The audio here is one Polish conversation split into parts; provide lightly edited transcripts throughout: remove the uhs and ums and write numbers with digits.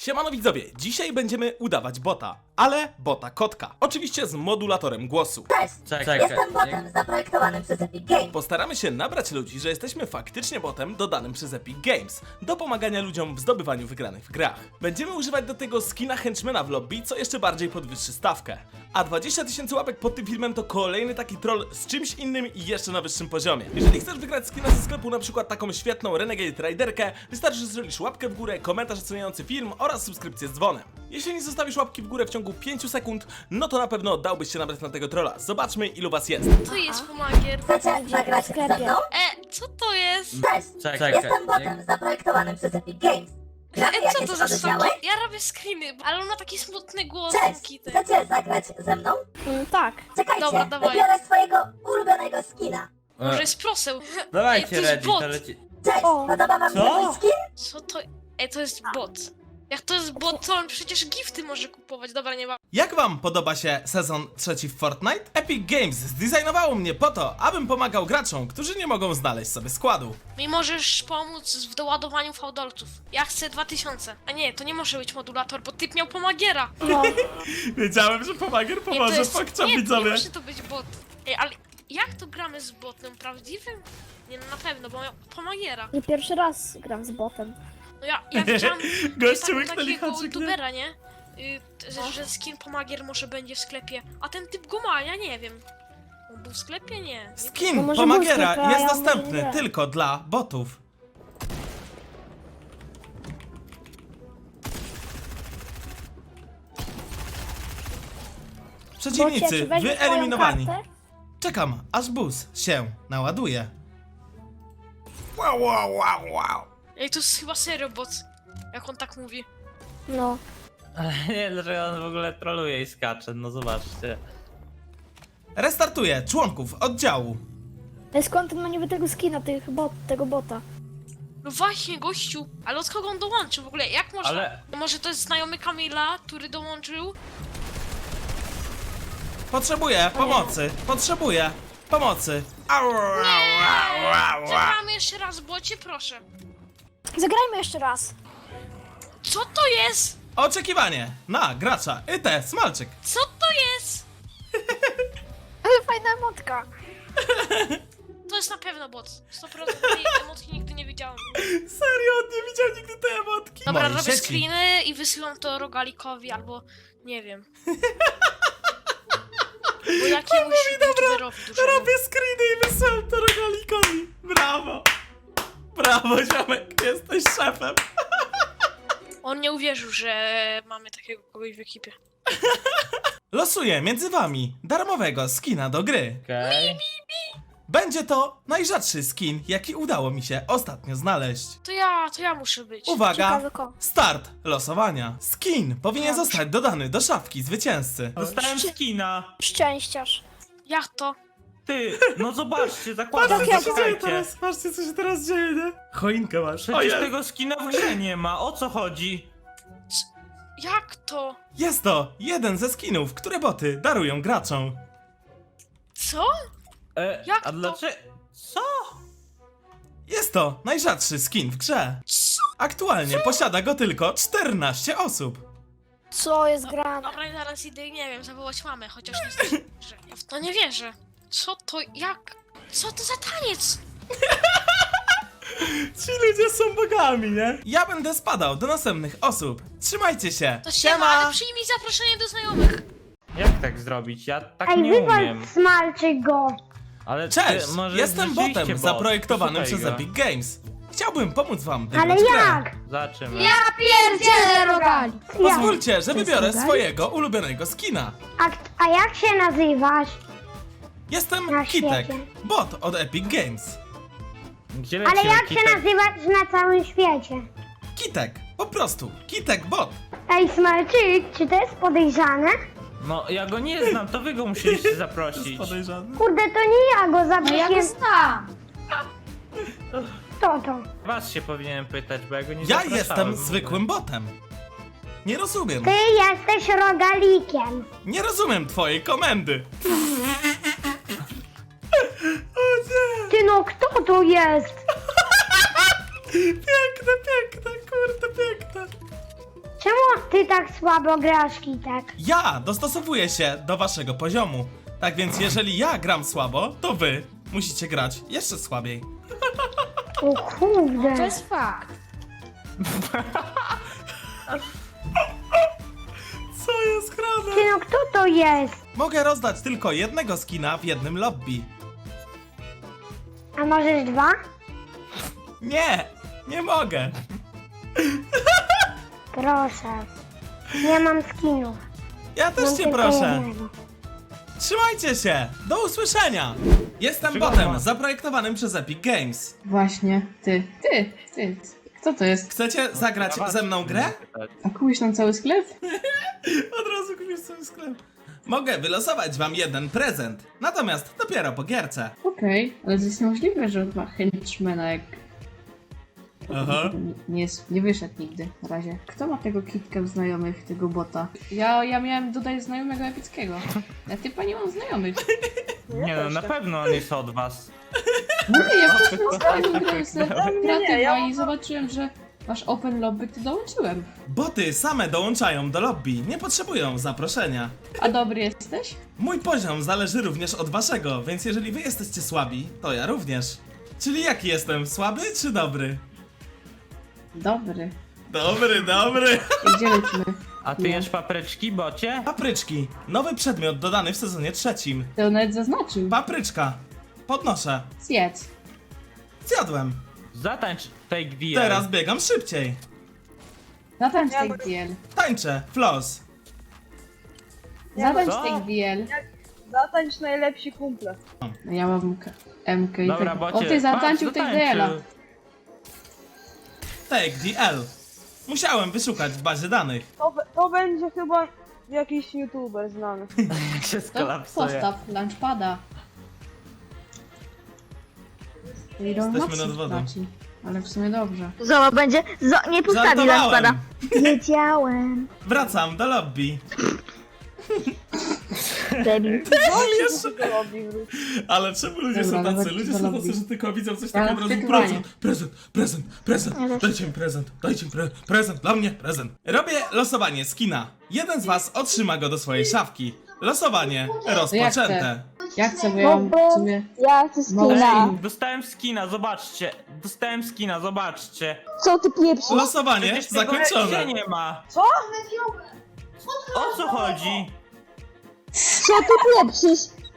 Siemano widzowie, dzisiaj będziemy udawać bota, ale bota kotka. Oczywiście z modulatorem głosu. Cześć, Czekaj. jestem botem zaprojektowanym przez Epic Games. Postaramy się nabrać ludzi, że jesteśmy faktycznie botem dodanym przez Epic Games do pomagania ludziom w zdobywaniu wygranych w grach. Będziemy używać do tego skina henchmana w lobby, co jeszcze bardziej podwyższy stawkę. A 20 000 łapek pod tym filmem to kolejny taki troll z czymś innym i jeszcze na wyższym poziomie. Jeżeli chcesz wygrać skina ze sklepu, na przykład taką świetną Renegade Riderkę, wystarczy, że zrobisz łapkę w górę, komentarz oceniający film oraz subskrypcję z dzwonem. Jeśli nie zostawisz łapki w górę w ciągu 5 sekund, no to na pewno dałbyś się nabrać na tego trolla. Zobaczmy, ilu was jest. Co jest pomagier? Chcecie zagrać ze mną? Co to jest? Cześć, Czekaj. jestem botem zaprojektowanym przez Epic Games. Gramy Co jakieś to za oddziały? soki? Ja robię screeny, ale on ma taki smutny głos, ten Cześć, kitek. chcecie zagrać ze mną? Tak. Czekajcie, Dobra, dawaj. wybiorę swojego ulubionego skina. Może jest proseł. Dawajcie, to jest ready, bot. to leci. Cześć, O. podoba wam się Co? mój skin? Co to? To jest bot. Jak to jest bot, to on przecież gifty może kupować. Dobra, nie ma. Jak wam podoba się sezon trzeci w Fortnite? Epic Games zdesignowało mnie po to, abym pomagał graczom, którzy nie mogą znaleźć sobie składu. Mi możesz pomóc w doładowaniu fałdolców. Ja chcę 2000. A nie, to nie może być modulator, bo typ miał pomagiera. No, Wiedziałem, że pomagier Nie, pomoże, nie może to być bot. Ej, ale jak to gramy z botem? Prawdziwym? Nie, no na pewno, bo miał pomagiera. nie pierwszy raz gram z botem. No ja widziałam Gościu łyknęli takiego haczyk, nie? youtubera, nie? Że skin pomagier może będzie w sklepie. A ten typ go ma, ja nie wiem. On był w sklepie? Nie. No Skin może pomagiera był sklepie, a jest ja może dostępny nie. tylko dla botów. Przeciwnicy Bocie, czy weźmiesz wyeliminowani. moją kartę? Czekam, aż bus się naładuje. Wow. Ej, to jest chyba serio bot. Jak on tak mówi. No. Ale nie, dlaczego on w ogóle troluje i skacze, no zobaczcie. Restartuję członków oddziału. Ale skąd on ma niby tego skina, tego bota? No właśnie, gościu. Ale od kogo on dołączył w ogóle? Jak można? Ale- Może to jest znajomy Kamila, który dołączył? Potrzebuję pomocy. Zagramy jeszcze raz, bocie, proszę. Zagrajmy jeszcze raz. Co to jest? Oczekiwanie na gracza IT Smalczyk. Co to jest? Ale fajna emotka. To jest na pewno bot. 100% tej emotki nigdy nie widziałem. Serio, on nie widział nigdy tej emotki. Dobra, Mojej robię sieci. screeny i wysyłam to rogalikowi albo nie wiem. Bo jakiemuś youtuberowi dużemu. Robię screeny i wysyłam to rogalikowi. Brawo ziomek, jesteś szefem. On nie uwierzył, że mamy takiego kogoś w ekipie. Losuję między wami darmowego skina do gry. Okej. Będzie to najrzadszy skin, jaki udało mi się ostatnio znaleźć. To ja muszę być. Uwaga, Ciekawy ko. start losowania. Skin powinien zostać dodany do szafki zwycięzcy. Dostałem skina. Szczęściarz. Jak to? Ty, no zobaczcie, zakładam, Patrzcie, co się zaczekajcie. Patrzcie co się teraz dzieje, nie? Choinkę masz. Przecież tego skina w grze nie ma, o co chodzi? Jak to? Jest to jeden ze skinów, które boty darują graczom. Co? Jak A to? dlaczego? Co? Jest to najrzadszy skin w grze. Co? Aktualnie posiada go tylko 14 osób. Co jest grane? Dobra, zaraz idę, nie wiem, zawołać mamę, chociaż nie wierzę. Ja w to nie wierzę. Co to, jak? Co to za taniec? Ci ludzie są bogami, nie? Ja będę spadał do następnych osób. Trzymajcie się. To siema, ale przyjmij zaproszenie do znajomych. Jak tak zrobić? Ja tak Ej, nie wywal umiem. smalczyk go! Ale Cześć, ty, może jestem rzeczywiście botem bot. zaprojektowanym Szukaj przez go. Epic Games. Chciałbym pomóc wam Ale wygrać grę. jak? Zobaczymy. Pierdzielę rogali! Pozwólcie, że wybiorę swojego ulubionego skina. A jak się nazywasz? Jestem Na Kitek, świecie. bot od Epic Games. Gdzie Ale lecimy, jak się Kitek? nazywasz na całym świecie? Kitek, po prostu, Kitek bot. Ej, smalczyk, czy to jest podejrzane? No, ja go nie znam, to wy go musieliście zaprosić. Podejrzany. Kurde, to nie ja go zabiję. znam. Kto to? Was się powinienem pytać, bo ja go nie Ja zapraszałem jestem w ogóle. zwykłym botem. Nie rozumiem. Ty jesteś rogalikiem. Nie rozumiem twojej komendy. O nie! Ty no, kto to jest? Piękne, kurde, piękne. Czemu ty tak słabo grasz, Kitek? Ja dostosowuję się do waszego poziomu. Tak więc jeżeli ja gram słabo, to wy musicie grać jeszcze słabiej. O kurde. To jest fakt. Co jest grane? Ty no, kto to jest? Mogę rozdać tylko jednego skina w jednym lobby. A możesz 2? Nie, nie mogę. Proszę. Nie mam skinów. Ja też Mam cię tylko proszę. jednego. Trzymajcie się! Do usłyszenia! Jestem Przygoda. botem zaprojektowanym przez Epic Games. Właśnie, ty. Kto to jest? Chcecie zagrać ze mną grę? A kupisz nam cały sklep? Od razu kupisz sobie sklep. Mogę wylosować wam jeden prezent, natomiast dopiero po gierce. Okej, ale to jest niemożliwe, że ma henchmana jak... Aha. Nie wyszedł nigdy na razie. Kto ma tego kitka w znajomych, tego bota? Ja miałem dodać znajomego epickiego. Ja typa nie mam znajomych. Nie no, na pewno on jest od was. Nie, ja po prostu ostatnio grałem sobie kreatywa i zobaczyłem, że masz open lobby, to dołączyłem. Boty same dołączają do lobby, nie potrzebują zaproszenia. A dobry jesteś? Mój poziom zależy również od waszego, więc jeżeli wy jesteście słabi, to ja również. Czyli jaki jestem, słaby czy dobry? Dobry. Dobry. I gdzie lecimy? A ty jesz papryczki, bocie? Papryczki, nowy przedmiot dodany w sezonie 3. To nawet zaznaczył. Papryczka. Podnoszę. Zjedz. Zjadłem. Zatańcz Take DL. Teraz biegam szybciej. Zatańcz take DL. Tańczę, floss. Zatańcz Co? take DL. Zatańcz najlepsi kumple. No ja mam MK i Dobra, tak. bocie. O, ty zatańczył take DL-a. Take DL. Musiałem wyszukać w bazie danych. To będzie chyba jakiś youtuber znany. Jak się To skolapsuje. postaw launchpada. Jesteśmy nad wodą. Ale w sumie dobrze. Zobacz, będzie. Nie postawi Żartowałem. lampada. Wiedziałem. Wracam do lobby. Debil. To robi wróć. Ale czemu ludzie Dobra, są tacy? nawet Ludzie do są lobby. tacy, że tylko widzą coś Ja takiego od razu. wczytywanie. Prezent. Dajcie mi prezent, dla mnie prezent. Robię losowanie skina. Jeden z was otrzyma go do swojej szafki. Losowanie rozpoczęte. Ja chcę, bo ja mam w sumie... Ja chcę Mało skina. skinów. Dostałem skina, zobaczcie. Dostałem skina, zobaczcie. Co ty pieprzysz? Losowanie Przecież tego zakończone. nie ma. Co? O co chodzi? Co ty pieprzysz?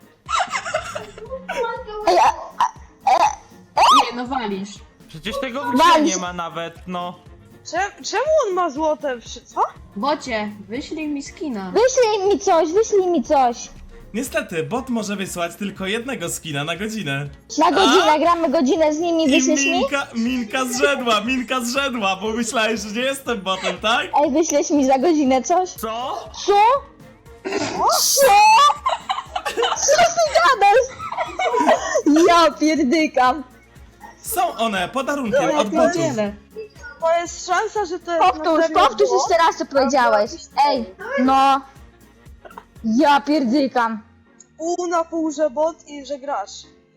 Ej, Nie, no walisz. Przecież tego w grze Walisz. nie ma nawet, no. Czemu on ma złote co? Bocie, wyślij mi skina. wyślij mi coś. Niestety, bot może wysłać tylko jednego skina na godzinę. Na godzinę, gramy godzinę z nimi, I wyślesz mi? Minka zrzedła, bo myślałeś, że nie jestem botem, tak? Ej, wyślesz mi za godzinę coś? Co? Co? Co? Co ty gadasz? Ja pierdykam. Są one podarunkiem Ja od botów. pierdzielę. To jest szansa, że to jest na Powtórz serio było? jeszcze raz co powiedziałeś. Ej, no. Ja pierdykam. Pół na pół, że bot i że grasz.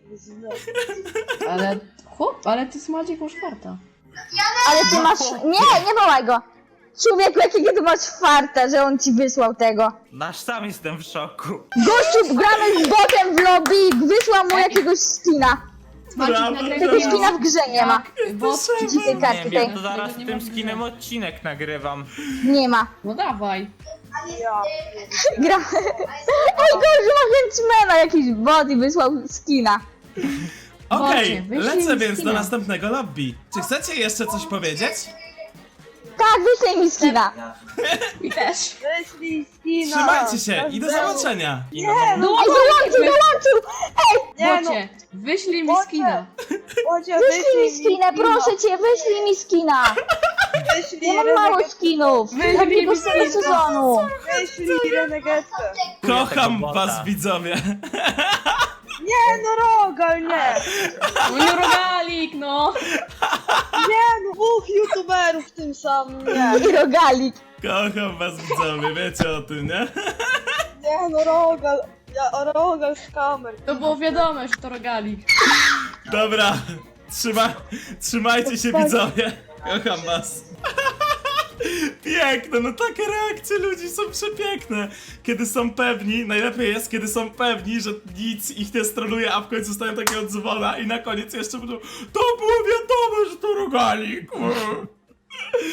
Ale... Chłop, ale ty Smadzik masz farta. Ale ty masz... Nie wołaj go. Człowieku, jakiego ty masz farta, że on ci wysłał tego. Nasz sam jestem w szoku. Gościu, gramy z botem w lobby i wysłał mu jakiegoś skina. Smadzik Brawo. nagrywa Tego skina w grze nie ma. Bot, Dzikiej Nie kartki wiem, tej. to zaraz Tego nie tym ma skinem odcinek nagrywam. Nie ma. no dawaj. Ja. Gra... Ej, gościu ma henchmana, jakiś bot i wysłał skina. Okej, Bocie, wyślij lecę mi więc do skina. następnego lobby. Czy chcecie jeszcze coś powiedzieć? Tak, wyślij mi skina. I też. Wyślij skina. Trzymajcie się i do zobaczenia. I no, No, Ej, dołączył! Nie no, Bocie, wyślij mi Bocie. skina. Bocie, Wyślij mi skinę, proszę cię, wyślij mi skina. Wyślij Ja mam mało Renegetkę. skinów. Takiego z tego sezonu. Wyślij Renegetkę. Kocham tego was, bota. widzowie. Nie no, Rogal, nie. No rogalik, no. Nie no, dwóch youtuberów w tym samym, nie. I rogalik. Kocham was, widzowie, wiecie o tym, nie? Nie no, Rogal. Rogal z kamer. To było wiadome, że to rogalik. Dobra, trzymajcie się, widzowie. Kocham was. Piękne, no takie reakcje ludzi są przepiękne. Kiedy są pewni, najlepiej jest, kiedy są pewni, że nic ich nie stroluje, a w końcu stają takiego dzwona i na koniec jeszcze będą: to było wiadomo, że to rogalik.